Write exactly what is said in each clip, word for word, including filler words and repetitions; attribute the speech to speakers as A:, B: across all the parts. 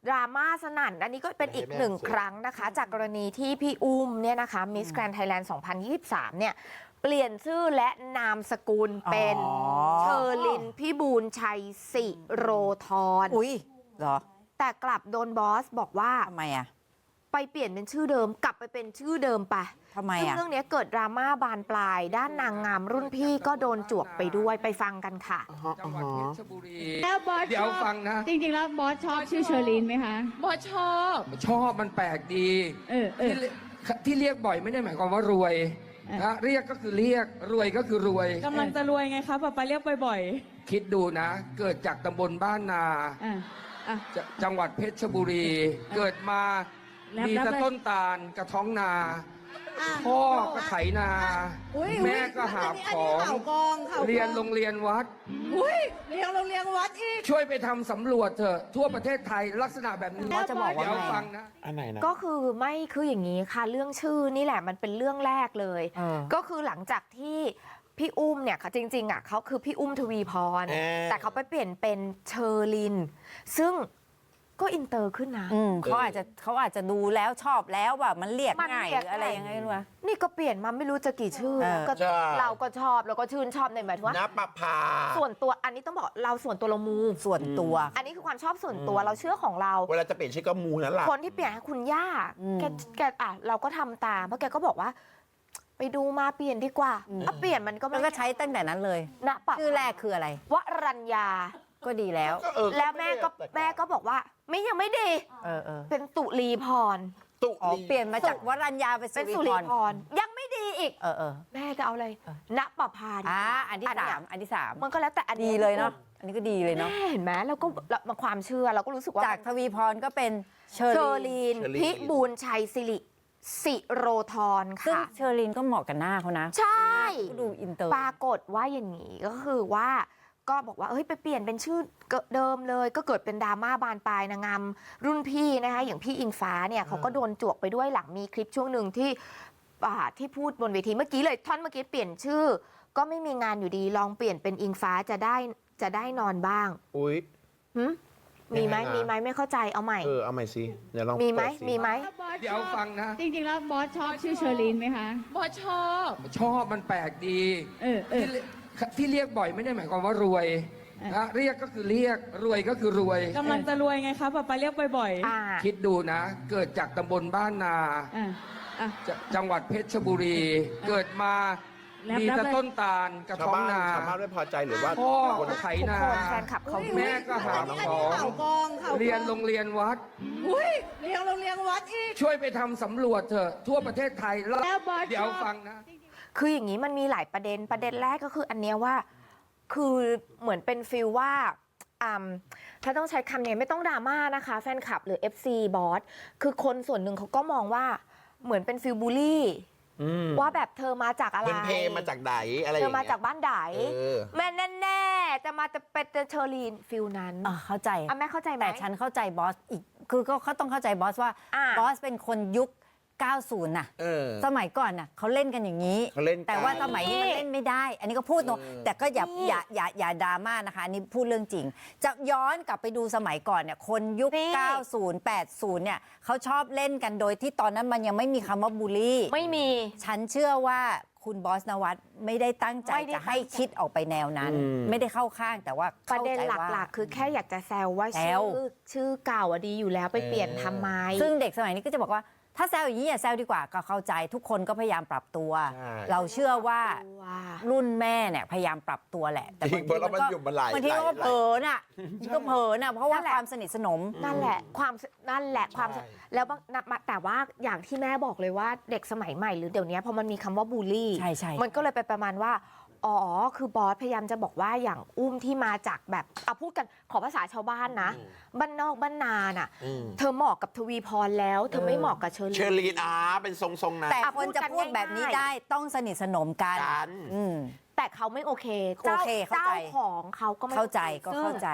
A: ดราม่าสนั่นอันนี้ก็เป็นอีกหนึ่งครั้งนะคะจากกรณีที่พี่อุ้มเนี่ยนะคะมิสแกรนด์ไทยแลนด์สองพันยี่สิบสามเนี่ยเปลี่ยนชื่อและนามสกุลเป็นเชอร์ลินพี่บูลชัยสิโรธร
B: อุ้ยเหรอ
A: แต่กลับโดนบอสบอกว่า
B: ทำไมอ่ะ
A: ไปเปลี่ยนเป็นชื่อเดิมกลับไปเป็นชื่อเดิมไป
B: ทำไมอ่ะ
A: เรื่องนี้เกิดดราม่าบานปลายด้านนางงามรุ่นพี่ก็โดนจวกไปด้วยไปฟังกันค่ะ
C: จังหวัดเพชรบุรี
D: แล้วบอส
C: เดี๋ยวฟังนะ
D: จริงๆแล้วบอสชอบชื่อเชอร์ลีนไหมคะ
C: บอสชอบชอบมันแปลกดี
D: เออเออ
C: ที่ที่เรียกบ่อยไม่ได้หมายความว่ารวยนะเรียกก็คือเรียกรวยก็คือรวย
D: กำลังจะรวยไงคะป๊าป๊าเรียกบ่อย
C: ๆคิดดูนะเกิดจากตำบลบ้านนาจังหวัดเพชรบุรีเกิดมามีแต่ต้นตาลกระท้องนาพ่อก็ไถนาแม่ก็หาของเรียนโรงเรียนวัด
D: เรียนโรงเรียนวัดอีก
C: ช่วยไปทำสำรวจเถอะทั่วประเทศไทยลักษณะแบบนี้
A: จะบอกว่า
C: ฟังนะ
A: อันไหนนะก็คือไม่คืออย่างนี้ค่ะเรื่องชื่อนี่แหละมันเป็นเรื่องแรกเลยก็คือหลังจากที่พี่อุ้มเนี่ยค่ะจริงๆอ่ะเขาคือพี่อุ้มทวีพรแต่เขาไปเปลี่ยนเป็นเชอร์ลินซึ่งก็อินเตอร์ขึ้นนะ
B: เขาอาจจะเขาอาจจะดูแล้วชอบแล้วว่ามันเรียกง่ายหรืออะไรยังไงรู้ไหม
A: นี่ก็เปลี่ยนมาไม่รู้จะกี่ชื่อก็เราก็ชอบแล้วก็ชื่นชอบในหมายถึงว่า
E: ณปภา
A: ส่วนตัวอันนี้ต้องบอกเราส่วนตัวเรามู
B: ส่วนตัว
A: อันนี้คือความชอบส่วนตัวเราเชื่อของเรา
E: เวลาจะเปลี่ยนชื่อก็มูนั่นแหละ
A: คนที่เปลี่ยนให้คุณย่าแกแกอ่ะเราก็ทำตามเพราะแกก็บอกว่าไปดูมาเปลี่ยนดีกว่าอ่ะเปลี่ยนมันก็
B: มันก็ใช้ตั้งแต่นั้นเลย
A: ณปะ
B: ชื่อแรกคืออะไร
A: วรัญญา
B: ก็ดีแล้ว
A: แล้วแม่ก็แม่ก็บอกว่าไม่ยังไม่ดี
B: เออเออ
A: เป็นตุลีพร
E: ตุ
B: ลีเปลี่ยนมาจากวรัญญาไป
A: สุริพรยังไม่ดีอีก
B: เออเออ
A: แม่จะเอาอะไรณปภา
B: อ่าอันที่สามอันที่สาม
A: มันก็แล้วแต่อัน
B: ดีเลยเนาะอันนี้ก็ดีเลยเนาะ
A: เห็นไหมแล้วก็มาความเชื่อเราก็รู้สึกว่า
B: จากทวีพรก็เป็น
A: เชอร์ลีนพิบูลชัยสิริสิโรธรค่ะ
B: ซึ่งเชอร์ลีนก็เหมาะกับหน้าเขานะ
A: ใช่
B: ดูอินเตอร์
A: ปรากฏว่าอย่างนี้ก็คือว่าก็บอกว่าเฮ้ยไปเปลี่ยนเป็นชื่อเดิมเลยก็เกิดเป็นดราม่าบานปลายนางงามรุ่นพี่นะคะอย่างพี่อิงฟ้าเนี่ยเขาก็โดนจวกไปด้วยหลังมีคลิปช่วงหนึ่งที่ที่พูดบนเวทีเมื่อกี้เลยท่อนเมื่อกี้เปลี่ยนชื่อก็ไม่มีงานอยู่ดีลองเปลี่ยนเป็นอิงฟ้าจะได้จะได้นอนบ้าง
E: อุ้ย
A: มีไหมมีไหมไม่เข้าใจเอาใหม่
E: เออเอาใหม่สิเดี๋ยวลอง
A: มีไหมมีไหม
C: เดี๋ยวฟังนะ
D: จริงๆแล้วบอสชอบชื่อเชอร์ลีนไหมคะ
C: บอสชอบชอบมันแปลกดี
D: เออเออ
C: ที่เรียกบ่อยไม่ได้หมายความว่ารวยนะเรียกก็คือเรียกรวยก็คือรวย
D: กำลังจะรวยไงคะป๊าป๊าเรียกบ่อย
C: ๆคิดดูนะเกิดจากตำบลบ้านนาจังหวัดเพชรบุรีเกิดมามีแต่ต้นตาลกระท้องนา
E: ชาวบ้านไม่พอใจหรือว่า
C: พ่อก็ไถนาแม่ก็หาของเรียนโรงเรียนวัด
D: เรียนโรงเรียนวัดอีก
C: ช่วยไปทำสำรวจเถอะทั่วประเทศไทยแล้วเดี๋ยวฟังนะ
A: คืออย่างนี้มันมีหลายประเด็นประเด็นแรกก็คืออันเนี้ยว่าคือเหมือนเป็นฟิลว่าถ้าต้องใช้คำนี้ไม่ต้องดราม่านะคะแฟนคลับหรือ เอฟ ซี บอสคือคนส่วนหนึ่งเขาก็มองว่าเหมือนเป็นฟิลบูลลี่ว่าแบบเธอมาจากอะไร
E: เป็นเพมาจากไหนอะไร
A: เธอมาจากบ้านไหนแม่แน่ๆจะมาจะเป็นเชอร์ลีนฟิลนั้น
B: เข้าใจ
A: อ่ะแม่เข้าใจไหม
B: แต่ฉันเข้าใจบอสอีกคือก็เขาต้องเข้าใจบอสว่าบอสเป็นคนยุคเก้าสิบน่ะสมัยก่อนน่ะเขาเล่นกันอย่างนี้แต่ว่าสมัยนี้มันเล่นไม่ได้อันนี้ก็พูดตรงแต่ก็อย่าอย่าอย่าอย่าดราม่านะคะอันนี้พูดเรื่องจริงจะย้อนกลับไปดูสมัยก่อนเนี่ยคนยุคเก้าสิบ แปดสิบเนี่ยเขาชอบเล่นกันโดยที่ตอนนั้นมันยังไม่มีคำว่าบูลลี่
A: ไม่มี
B: ฉันเชื่อว่าคุณบอสนวัตไม่ได้ตั้งใจจะให้คิดออกไปแนวนั้นไม่ได้เข้าข้างแต่ว่า
A: ประเด็นหลักๆคือแค่อยากจะแซวว่าชื่อชื่อเก่าอะดีอยู่แล้วไปเปลี่ยนทำไม
B: ซึ่งเด็กสมัยนี้ก็จะบอกว่าถ้าแซวอย่างนี้อย่าแซวดีกว่าก็เข้าใจทุกคนก็พยายามปรับตัวเราเชื่อว่ารุ่นแม่เนี่ยพยายามปรับตัวแหละ
E: แต่บางทีมันก็
B: บางทีก็เผลอน่ะก็เผลอน่ะเพราะว่าความสนิทสนม
A: นั่นแหละความนั่นแหละความแล้วแต่ว่าอย่างที่แม่บอกเลยว่าเด็กสมัยใหม่หรือเดี๋ยวนี้พอมันมีคำว่าบูลลี่มันก็เลยไปประมาณว่าอ๋อคือบอสพยายามจะบอกว่าอย่างอุ้มที่มาจากแบบเอาพูดกันขอภาษาชาวบ้านนะบ้านนอกบ้านนาน่ะเธอเหมาะกับทวีพรแล้วเธอไม่เหมาะกับเชอร์ลีน
E: เชอร์ลีนอ่าเป็นทรงๆนะ
B: แต่คนจะพูดแบบนี้ได้ต้องสนิทสนมกัน
A: แต่เขาไม่โอเคเจ้าของเขาก็ไม่
B: เข้าใจก็เข้าใจ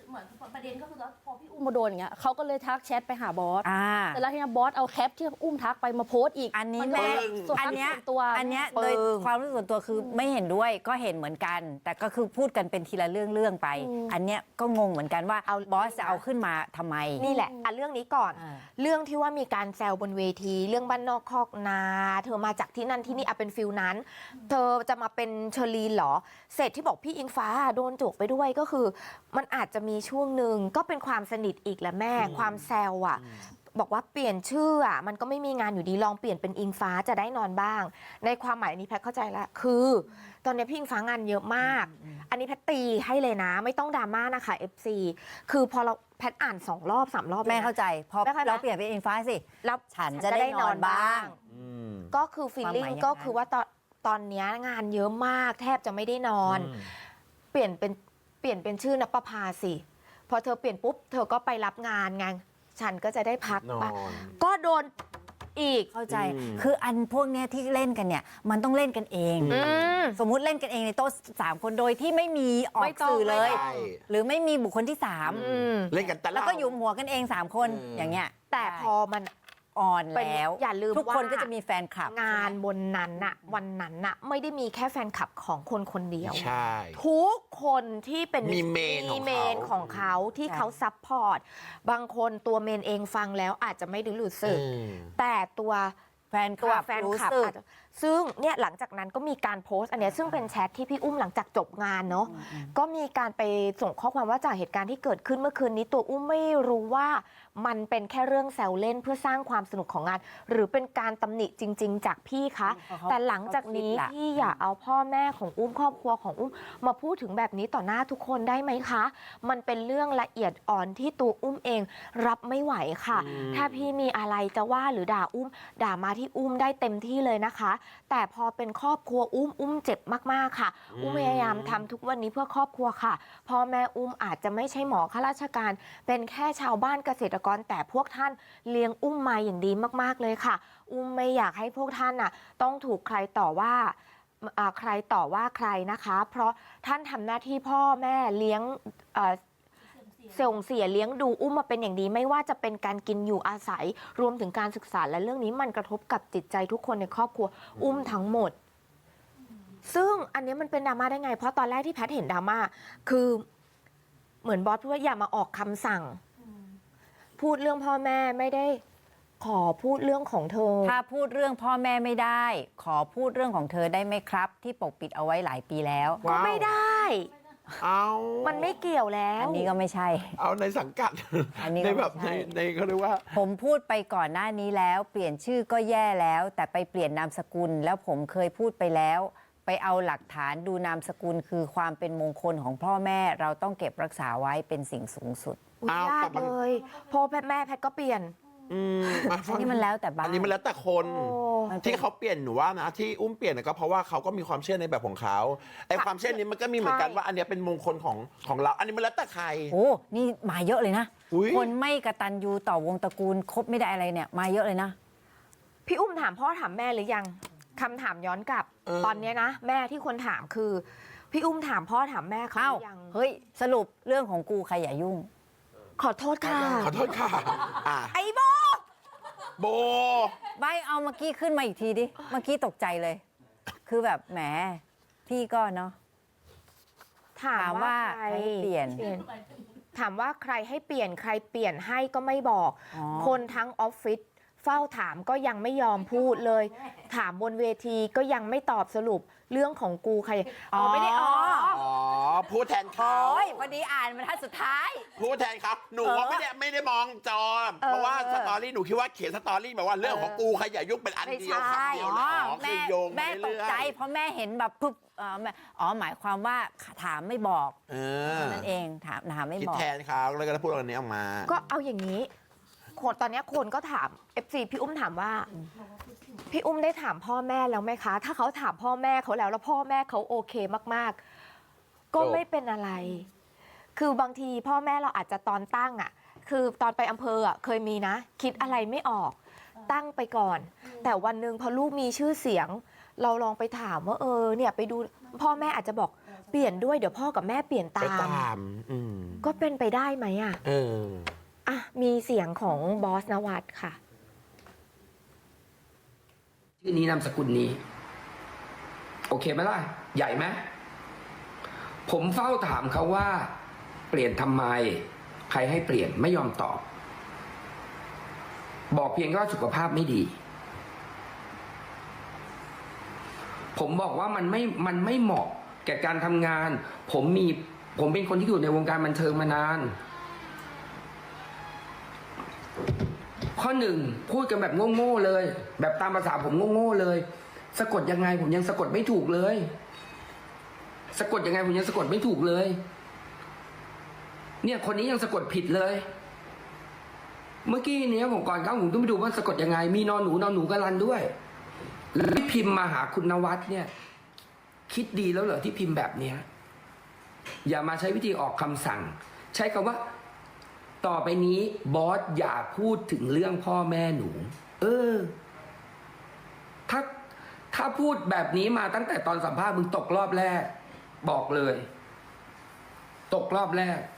F: เหมือนประเด็นก็คือว่าพอพี่อุ้มมาโดนอย่างเงี้ยเขาก็เลยทักแชทไปหาบอส
B: อ่า
F: แต่แล้วทีนี้บอสเอาแคปที่อุ้มทักไปมาโพสต์อีก
B: อันนี้
F: มั
B: แม่
F: ก็ส่วน
B: อัน
F: ทัก
B: เนี้ย
F: ส่วนตัว
B: อันเนี้ย
A: ปึ้ง
B: โดยความรู้สึกส่วนตัวคือไม่เห็นด้วยก็เห็นเหมือนกัน แต่ก็คือพูดกันเป็นทีละเรื่องเรื่องไป อันเนี้ยก็งงเหมือนกันว่า
A: เอา
B: บอสจะเอาขึ้นมาทำไม
A: นี่แหละอ่ะเรื่องนี้ก่อน
B: อ่า
A: เรื่องที่ว่ามีการแซวบนเวที เรื่องบ้านนอกคอกนา เธอมาจากที่นั่นที่นี่อ่ะเป็นฟิลนั้น เธอจะมาเป็นเชอรีนเหรอ เสร็จที่บอกพี่อิงฟ้าโดนจกไปด้วยก็คือ มันอาจจะมีช่วงหนึ่งก็เป็นความสนิทอีกแหละแม่ ความแซวอ่ะ บอกว่าเปลี่ยนชื่ออ่ะมันก็ไม่มีงานอยู่ดีลองเปลี่ยนเป็นอิงฟ้าจะได้นอนบ้าง ในความหมายอันนี้แพทย์เข้าใจแล้วคือ ตอนนี้พี่อิงฟ้างานเยอะมาก อันนี้แพทย์ตีให้เลยนะ ไม่ต้องดราม่านะคะ เอฟ ซี คือพอเราแพทย์อ่านสองรอบสามรอบ
B: แม่
A: ลยนะ
B: เข้าใจพอ
A: แม่เข้าใจ
B: เราเปลี่ยนเป็นอินฟ้าสิ
A: แล้ว
B: ฉันจะได้นอนบ้าง
E: อืม
A: ก็คือฟีลลิ่ง
B: ความหมายอย่างนั้น
A: ก็คือว่าตอนตอนเนี้ยงานเยอะมาก แทบจะไม่ได้นอน เปลี่ยนเป็นเปลี่ยนเป็นชื่อนับประภาสิพอเธอเปลี่ยนปุ๊บเธอก็ไปรับงานไงฉันก็จะได้พัก
E: นอ
A: ปะ
E: น
A: ก็โดนอีก
B: เข้าใจ
E: อืม
B: คืออันพวกเนี้ยที่เล่นกันเนี่ย มันต้องเล่นกันเอง
A: อืม
B: สมมุติเล่นกันเองในโต๊ะสามคนโดยที่ไม่มีออ
A: ไม่
B: ก
A: ต้อง
B: สื่อเลย
A: ไม่ต้
E: ใช่
B: หรือไม่มีบุคคลที่สาม
A: อืม
E: เล่นกันแต่
B: แล้วก็อยู่หัวกันเองสามคน
E: เอออ
B: อย่างเงี้ย
A: แต่พอมัน
B: อ่อน
A: เป็น
B: แล้ว
A: อย่าลืม
B: ทุกคน
A: ว่า
B: ก็จะมีแฟนคลับ
A: งานบนนั้นน่ะวันนั้นน่ะไม่ได้มีแค่แฟนคลับของคนคนเดียว
E: ใช่
A: ทุกคนที่เป็น
E: มีเมนของเขา
A: มีเมนของเขาที่
B: ใช่
A: เขาซัพพอร์ตบางคนตัวเมนเองฟังแล้วอาจจะไม่ได้รู้สึก
E: อืม
A: แต่ตัว
B: แฟนค
A: ตัว
B: ลับ
A: แฟน
B: รู้
A: คลับ
B: สึก
A: อาจจะซึ่งเนี่ยหลังจากนั้นก็มีการโพสต์อันเนี้ยซึ่งเป็นแชทที่พี่อุ้มหลังจากจบงานเนาะก็มีการไปส่งข้อความว่าจากเหตุการณ์ที่เกิดขึ้นเมื่อคืนนี้ตัวอุ้มไม่รู้ว่ามันเป็นแค่เรื่องแซวเล่นเพื่อสร้างความสนุกของงาน หรือเป็นการตำหนิจริง ๆ จากพี่คะ
B: เขา
A: แต่หลังจากนี้
B: เขาคิดละ
A: พี่อย่าเอาพ่อแม่ของอุ้มครอบครัวของอุ้มมาพูดถึงแบบนี้ต่อหน้าทุกคนได้ไหมคะ มันเป็นเรื่องละเอียดอ่อนที่ตัวอุ้มเองรับไม่ไหวค่ะ ถ้าพี่มีอะไรจะว่าหรือด่าอุ้ม ด่ามาที่อุ้มได้เต็มที่เลยนะคะ แต่พอเป็นครอบครัวอุ้มอุ้มเจ็บมากๆค่ะ อุ้มพยายามทำทุกวันนี้เพื่อครอบครัวค่ะพ่อแม่อุ้มอาจจะไม่ใช่หมอข้าราชการ เป็นแค่ชาวบ้านเกษตรกรแต่พวกท่านเลี้ยงอุ้มมาอย่างดีมากๆเลยค่ะ อุ้มไม่อยากให้พวกท่านน่ะต้องถูกใครต่อว่าอ่าใครต่อว่าใครนะคะ เพราะท่านทำหน้าที่พ่อแม่เลี้ยงเอ่อส่งเสียเลี้ยงดูอุ้มมาเป็นอย่างดี ไม่ว่าจะเป็นการกินอยู่อาศัย รวมถึงการศึกษาและเรื่องนี้มันกระทบกับจิตใจทุกคนในครอบครัวอุ้มทั้งหมด ซึ่งอันนี้มันเป็นดราม่าได้ไง เพราะตอนแรกที่แพทย์เห็นดราม่าคือเหมือนบอสพูดว่าอย่ามาออกคำสั่ง พูดเรื่องพ่อแม่ไม่ได้ขอพูดเรื่องของเธอ
B: ถ้าพูดเรื่องพ่อแม่ไม่ได้ ขอพูดเรื่องของเธอได้ไหมครับ ที่ปกปิดเอาไว้หลายปีแล้ว
A: ก็ไม่ได้
E: เอา
A: มันไม่เกี่ยวแล้ว
B: อันนี้ก็ไม่ใช่
E: เอาในสังกัด
B: อันนี้ก็
E: ในแบบ
B: ไม่
E: ใน
B: ใช่
E: ในเขาเรียกว่า
B: ผมพูดไปก่อนหน้านี้แล้ว เปลี่ยนชื่อก็แย่แล้ว แต่ไปเปลี่ยนนามสกุล แล้วผมเคยพูดไปแล้ว ไปเอาหลักฐานดูนามสกุลคือความเป็นมงคลของพ่อแม่เราต้องเก็บรักษาไว้เป็นสิ่งสูงสุด
A: อุ๊ย
E: อ้าวย
A: า
E: แต่
A: ก
E: มัน
A: เลยพอแพทย์แม่แพทย์ก็เปลี่ยน
E: อืมอ่ะ
B: อันนี้มันแล้วแต่บ้าน
E: อันนี้มันแล้วแต่คน
A: โอ้
B: มันเป็น
E: ที่เขาเปลี่ยนหนูว่านะ ที่อุ้มเปลี่ยนก็เพราะว่าเขาก็มีความเชื่อในแบบของเขาไอ้ความเชื่อนี้มันก็มีเหมือนกัน
A: ใช่
E: ว่าอันเนี้ยเป็นมงคลของของเรา อันนี้มันแล้วแต่ใคร
B: โอ้นี่มาเยอะเลยนะ
E: อุ๊ย
B: คนไม่กระตันยูต่อวงตระกูลคบไม่ได้อะไรเนี่ย มาเยอะเลยนะ
A: พี่อุ้มถามพ่อถามแม่หรือยังคำถามย้อนกลับ
E: เออ
A: ตอนเนี้ยนะ แม่ที่คนถามคือ พี่อุ้มถามพ่อถามแม่เขา
B: เอ้า
A: หรือยัง
B: เฮ้ย สรุปเรื่องของกูใครอย่ายุ่ง
A: ขอโทษค่ะ
E: ขอโทษค่ะอ่ะ
A: ไอ้โบ
E: โบ
B: ใบเอาเมื่อกี้ขึ้นมาอีกทีดิ เมื่อกี้ตกใจเลย คือแบบแหม พี่ก็เนาะ
A: ถาม
B: ถาม
A: ว่า
B: ว่า
A: ใคร
B: ให้เปลี่ยน
A: ถามว่าใครให้เปลี่ยนใครเปลี่ยนให้ก็ไม่บอก
B: อ๋อ
A: คนทั้งออฟฟิศเฝ้าถามก็ยังไม่ยอมพูดเลย ถามบนเวทีก็ยังไม่ตอบสรุปเรื่องของกูใครอ๋อไม่ได้อ๋อ
E: อ๋อ พูดแทนเขา
B: โอ้ยพอดีอ่านบรรทัดสุดท้าย
E: พูดแทนครับ หนูว่าไม่ได้ไม่ได้มองจอ เพราะว่าสตอรี่หนูคิดว่าเขียนสตอรี่แบบว่าเรื่องของกูใครอย่ายุ่งเป็นอันเดียว
A: ไม่ใช่
E: คำเดียว
B: อ๋
E: แล้
B: อ
E: วอ๋อคื
B: แม่
E: อโยง
B: แม่
E: ไป
B: ต
E: เรื่
B: ก
E: อยๆ
B: ใจ เพราะแม่เห็นแบบปุ๊บเอ่อแม่อ๋อหมายความว่าถามไม่บอก
E: เออ
B: นั่นเองถามถามไม่
E: คิด
B: บอก
E: แทนเขาเลยก็ได้พูดอันนี้ออกมา
A: ก็เอาอย่างนี้คนตอนเนี้ยคนก็ถาม เอฟ ซี พี่อุ้มถามว่า พี่อุ้มได้ถามพ่อแม่แล้วไหมคะ ถ้าเขาถามพ่อแม่เขาแล้วแล้วพ่อแม่เขาโอเคมากๆ ก็
E: จบ
A: ไม่เป็นอะไร คือบางทีพ่อแม่เราอาจจะตอนตั้งอ่ะ คือตอนไปอำเภออ่ะเคยมีนะ คิดอะไรไม่ออกตั้งไปก่อน แต่วันหนึ่งพอลูกมีชื่อเสียง เราลองไปถามว่าเออเนี่ยไปดูพ่อแม่อาจจะบอกเปลี่ยนด้วยเดี๋ยวพ่อกับแม่เปลี่ยน
E: ไป
A: ตาม
E: ตามอืม
A: ก็เป็นไปได้ไหมอ่ะ
E: เออ
A: อ่ะมีเสียงของบอสนวัตค่ะ
C: ชื่อนี้นามสกุลนี้ โอเคไหมล่ะ ใหญ่ไหมผมเฝ้าถามเขาว่า เปลี่ยนทำไม ใครให้เปลี่ยนไม่ยอมตอบ บอกเพียงแค่ว่าสุขภาพไม่ดี ผมบอกว่ามันไม่มันไม่เหมาะแก่การทำงาน ผมมี ผมเป็นคนที่อยู่ในวงการบันเทิงมานาน ข้อหนึ่งพูดกันแบบโง่ๆเลย แบบตามภาษาผมโง่ๆเลย สะกดยังไง ผมยังสะกดไม่ถูกเลย สะกดยังไงผมยังสะกดไม่ถูกเลย เนี่ยคนนี้ยังสะกดผิดเลย เมื่อกี้เนี้ยผมก่อนเข้าผมต้องไปดูว่าสะกดยังไง มีนอนหนูนอนหนูกรันด้วยแล้วที่พิมพ์มาหาคุณนวัดเนี่ย คิดดีแล้วเหรอที่พิมพ์แบบเนี้ย อย่ามาใช้วิธีออกคำสั่ง ใช้คำว่า ต่อไปนี้บอสอย่าพูดถึงเรื่องพ่อแม่หนู เออ ถ้าถ้าพูดแบบนี้มาตั้งแต่ตอนสัมภาษณ์มึงตกรอบแรก บอกเลย ตกรอบแรก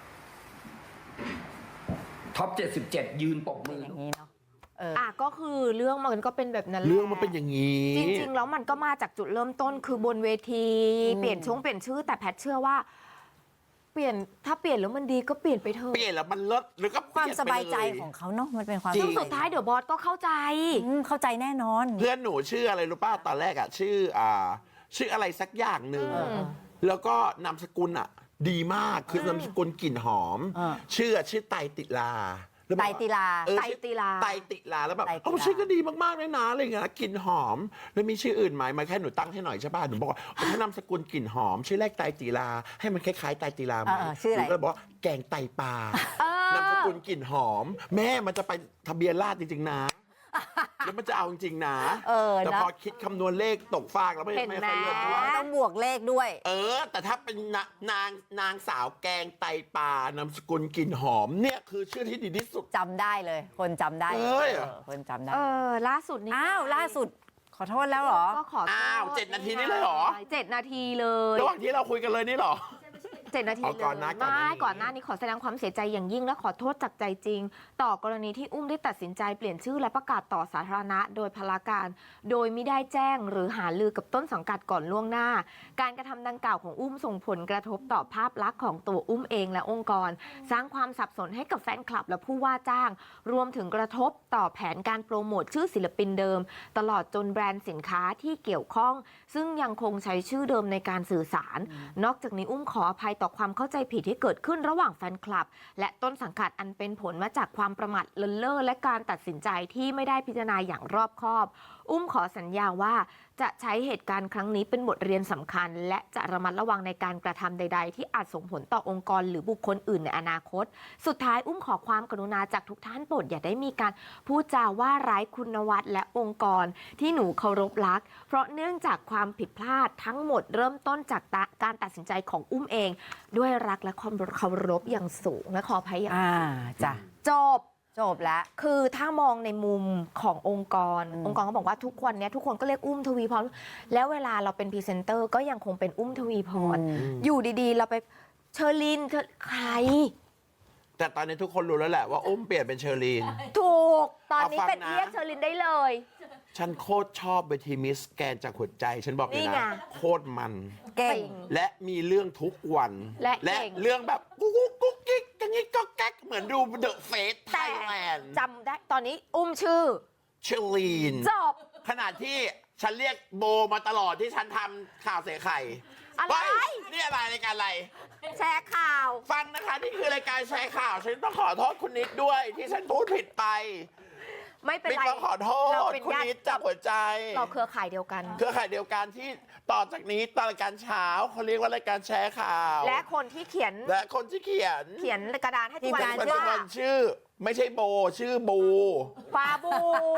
C: ท็อปเจ็ดสิบเจ็ดยืนปกมือ
B: อย่างนี้เนาะเออ
A: อ่ะก็คือเรื่องมันก็เป็นแบบนั้นแหละ
E: เรื่องมันเป็นอย่างนี้
A: จริงๆแล้วมันก็มาจากจุดเริ่มต้นคือบนเวที
B: อืม
A: เปลี่ยนช่วงเปลี่ยนชื่อแต่แพทเชื่อว่า เปลี่ยนถ้าเปลี่ยนแล้วมันดีก็เปลี่ยนไปเถอะ
E: เปลี่ยนแล้วมันเลิศหรือก็
B: ความ
E: เปลี่น
B: ส
E: ไป
B: บายใจ
E: เล
B: ของเขาเนาะมันเป็นความ
A: ซึ่ง
B: สบ
A: สุดท้ายเดี๋ยวบอสก็เข้าใจ
B: อืมเข้าใจแน่นอน
E: เพื่อนหนูชื่ออะไรรู้ป่ะตอนแรกอ่ะ ชื่ออ่า ชื่ออะไรสักอย่างหนึ่ง
A: เออ
E: แล้วก็นามสกุลอ่ะ ดีมากคือนามสกุลกลิ่นหอม
B: เออ
E: ชื่ออะชื่อไตรติลาแล้วบอก
B: ไตรติลา
E: เออ
A: ไตรติลา
E: ไตรติลาแล้วแบบ
B: ไตรติลา
E: เอ้าชื่อก็ดีมากๆเลยนะอะไรอย่างเงี้ยกลิ่นหอม แล้วมีชื่ออื่นไหมมาแค่หนูตั้งให้หน่อยใช่ป่ะหนูบอกว่าถ้านามสกุลกลิ่นหอม ชื่อแรกไตรติลาให้มันคล้ายๆไตรติลาไหม
B: เออชื่ออะไร
E: หนูก็เลยบอกว่าแกงไตปลา
A: เออน
E: ามสกุลกลิ่นหอม แม่มันจะไปทะเบียนราษฎร์จริงๆนะ แล้วมันจะเอาจริงๆนะ
B: เออ
E: แต่
B: นะ
E: พอคิดคำนวณเลขตกฟากแล้วไม่
A: เห็น
E: ไม่
A: ไหม
E: ค่อยเลือกเท่าไหร่
B: ต้องบวกเลขด้วย
E: เออ แต่ถ้าเป็นนานางนางสาวแกงไตปลานามสกุลกลิ่นหอมเนี่ยคือชื่อที่ดีที่สุด
B: จำได้เลย คนจำได้
E: เอ้ย
B: เออคนจำได้
A: เออล่าสุดนี่
B: อ้าวล่าสุดขอโทษแล้วเหรอ
A: ก็ขอโทษ
E: อ้าวเจ็ดนาทีนี่เลยเหรอ
A: เจ็ดนาทีเลย
E: ระหว่างที่เราคุยกันเลยนี่เหรอ
A: เจ็ดนาที
E: อ๋อ
A: เลย
E: ก่อนหน้าก่อนหน้า
A: ไม่
E: นี้
A: ก่อนหน้านี้ขอแสดงความเสียใจอย่างยิ่งและขอโทษจากใจจริง ต่อกรณีที่อุ้มได้ตัดสินใจเปลี่ยนชื่อและประกาศต่อสาธารณะ โดยพลาการ โดยไม่ได้แจ้งหรือหาลือกับต้นสังกัดก่อนล่วงหน้า การกระทำดังกล่าวของอุ้มส่งผลกระทบต่อภาพลักษณ์ของตัวอุ้มเองและองค์กร สร้างความสับสนให้กับแฟนคลับและผู้ว่าจ้าง รวมถึงกระทบต่อแผนการโปรโมทชื่อศิลปินเดิม ตลอดจนแบรนด์สินค้าที่เกี่ยวข้อง ซึ่งยังคงใช้ชื่อเดิมในการสื่อสาร นอกจากนี้อุ้มขออภัยต่อความเข้าใจผิดที่เกิดขึ้นระหว่างแฟนคลับ และต้นสังกัดอันเป็นผลมาจากความประมาทเลินเล่อและการตัดสินใจที่ไม่ได้พิจารณาอย่างรอบคอบ อุ้มขอสัญญาว่าจะใช้เหตุการณ์ครั้งนี้เป็นบทเรียนสำคัญ และจะระมัดระวังในการกระทำใด ๆ ที่อาจส่งผลต่อองค์กรหรือบุคคลอื่นในอนาคต สุดท้ายอุ้มขอความกรุณาจากทุกท่านโปรดอย่าได้มีการพูดจาว่าร้ายคุณวัฒน์และองค์กรที่หนูเคารพรัก เพราะเนื่องจากความผิดพลาดทั้งหมดเริ่มต้นจากการตัดสินใจของอุ้มเอง ด้วยรักและความเคารพอย่างสูงและขออภัยอย่าง
B: อ่าจ้ะ
A: จบ
B: จบแล้ว
A: คือถ้ามองในมุมขององค์กร
B: อืม
A: องค์กรก็บอกว่าทุกวันนี้ทุกคนก็เรียกอุ้มทวีพร แล้วเวลาเราเป็นพรีเซนเตอร์ก็ยังคงเป็นอุ้มทวีพร อยู่ดีๆ เราไปเชอรินเธอใคร
E: แต่ตอนนี้ทุกคนรู้แล้วแหละว่าอุ้มเปลี่ยนเป็นเชอรีน
A: ถูก ตอนนี้
E: เอาฟัง
A: เป็น
E: นะ
A: เรียกเชอรินได้เลย
E: ฉันโคตรชอบเวทีมิสแกนจากหัวใจ ฉันบอกเลย
A: นี่ไง
E: นะ โคตรมัน
B: เก่ง
E: และมีเรื่องทุกวัน
A: และเก่ง
E: เรื่องแบบกุ๊กกุ๊กกุ๊กกิ๊กกังงี้ก็แก๊กเหมือนดูเดอะเฟสไท
A: แต่
E: ยแลนด์
A: จำได้ตอนนี้อุ้มชื่อ
E: เชอรีน
A: จบ
E: ขนาดที่ฉันเรียกโบมาตลอดที่ฉันทำข่าวเสียไข่
A: อะไร
E: เฮ้ยนี่อะไรรายการอะไร
A: แชร์ข่าว
E: ฟังนะคะ นี่คือรายการแชร์ข่าว ฉันต้องขอโทษคุณนิดด้วย ที่ฉันพูดผิดไป
A: ไม่เป็น
E: นิด
A: ไร
E: ต้องขอโท
A: เรา
E: ษ
A: เป็น
E: คุณ
A: ญาติ
E: นิดจากหัวใจ
A: เราเครือข่ายเดียวกัน
E: เครือข่ายเดียวกันที่ต่อจากนี้ตอนรายการเช้าเขาเรียกว่ารายการแชร์ข่าว
A: และคนที่เขียน
E: และคนที่เขียน
A: เขียนกระดานให้ทุกวั
B: ทีมงาน
A: น
E: ปัจจุบั
A: ว่าน
E: ชื่อ ไม่ใช่โบ ชื่อบู
A: ฟาบู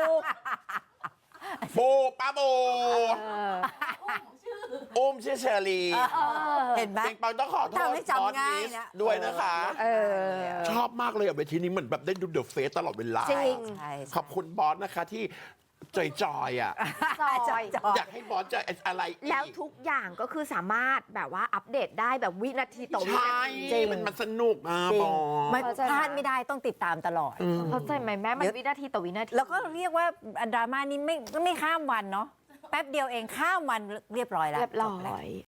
E: บูป้าบูอุ้มชื่อเชอรี
B: เห็นไหม
E: ปิงปองต้องขอโทษ
B: ทำให้จำง่ายนะ
E: ด้วยนะคะ
A: เออ
E: ชอบมากเลยอ่ะเวทีนี้เหมือนแบบได้ดูเดอะเฟสตลอดเวลา
A: จริง
B: ใช่ใช่
E: ขอบคุณบอสนะคะที่จอยๆอ่ะ
A: จอย
B: จอย
E: อยากให้บอสจอยอะไรอีก
A: แล้วทุกอย่างก็คือสามารถแบบว่าอัปเดตได้แบบวินาทีต่อวิ
E: ใช่
A: นาที
B: จริง
E: มันมันสนุกอ่ะ
B: จริ
E: บ
B: ง
E: อ
B: ไม่
E: ส
A: เข้าใจ
B: พลาดไม่ได้ต้องติดตามตลอด
E: อืม
A: เข้าใจไหมแม่มันวินาทีต่อวินาที
B: แล้วก็เรียกว่าดราม่านี้ไม่ไม่ข้ามวันเนาะแป๊บเดียวเองข้ามวันเรียบร้อยแล้ว
A: เรียบร้
B: จบแล้ว
A: อย